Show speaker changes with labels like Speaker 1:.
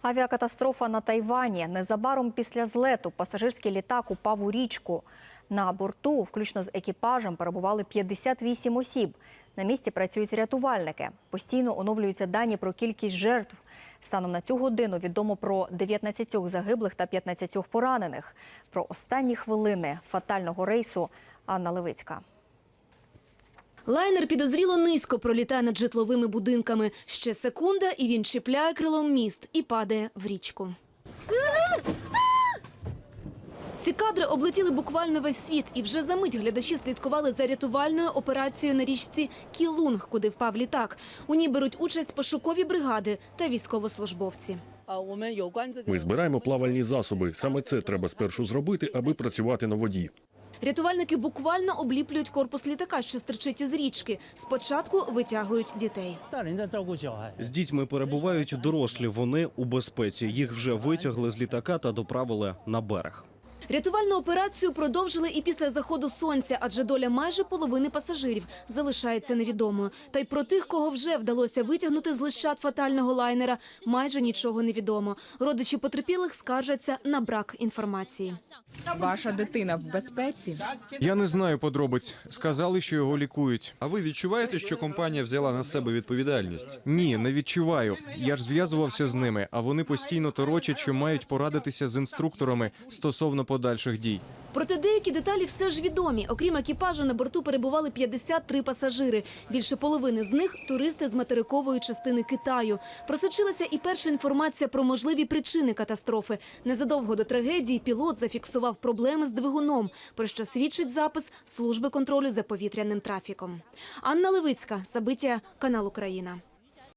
Speaker 1: Авіакатастрофа на Тайвані. Незабаром після злету пасажирський літак упав у річку. На борту, включно з екіпажем, перебували 58 осіб. На місці працюють рятувальники. Постійно оновлюються дані про кількість жертв. Станом на цю годину відомо про 19 загиблих та 15 поранених. Про останні хвилини фатального рейсу Анна Левицька.
Speaker 2: Лайнер підозріло низько пролітає над житловими будинками. Ще секунда, і він чіпляє крилом міст і падає в річку. Ці кадри облетіли буквально весь світ, і вже за мить глядачі слідкували за рятувальною операцією на річці Кілунг, куди впав літак. У ній беруть участь пошукові бригади та військовослужбовці.
Speaker 3: Ми збираємо плавальні засоби. Саме це треба спершу зробити, аби працювати на воді.
Speaker 2: Рятувальники буквально обліплюють корпус літака, що стирчить із річки. Спочатку витягують дітей.
Speaker 4: З дітьми перебувають дорослі, вони у безпеці. Їх вже витягли з літака та доправили на берег.
Speaker 2: Рятувальну операцію продовжили і після заходу сонця, адже доля майже половини пасажирів залишається невідомою. Та й про тих, кого вже вдалося витягнути з лищат фатального лайнера, майже нічого не відомо. Родичі потерпілих скаржаться на брак інформації.
Speaker 5: Ваша дитина в безпеці?
Speaker 6: Я не знаю подробиць. Сказали, що його лікують.
Speaker 7: А ви відчуваєте, що компанія взяла на себе відповідальність?
Speaker 6: Ні, не відчуваю. Я ж зв'язувався з ними, а вони постійно торочать, що мають порадитися з інструкторами стосовно подальших дій.
Speaker 2: Проте деякі деталі все ж відомі. Окрім екіпажу, на борту перебували 53 пасажири. Більше половини з них – туристи з материкової частини Китаю. Просочилася і перша інформація про можливі причини катастрофи. Незадовго до трагедії пілот зафіксував проблеми з двигуном, про що свідчить запис Служби контролю за повітряним трафіком. Анна Левицька, Сабиття, канал Україна.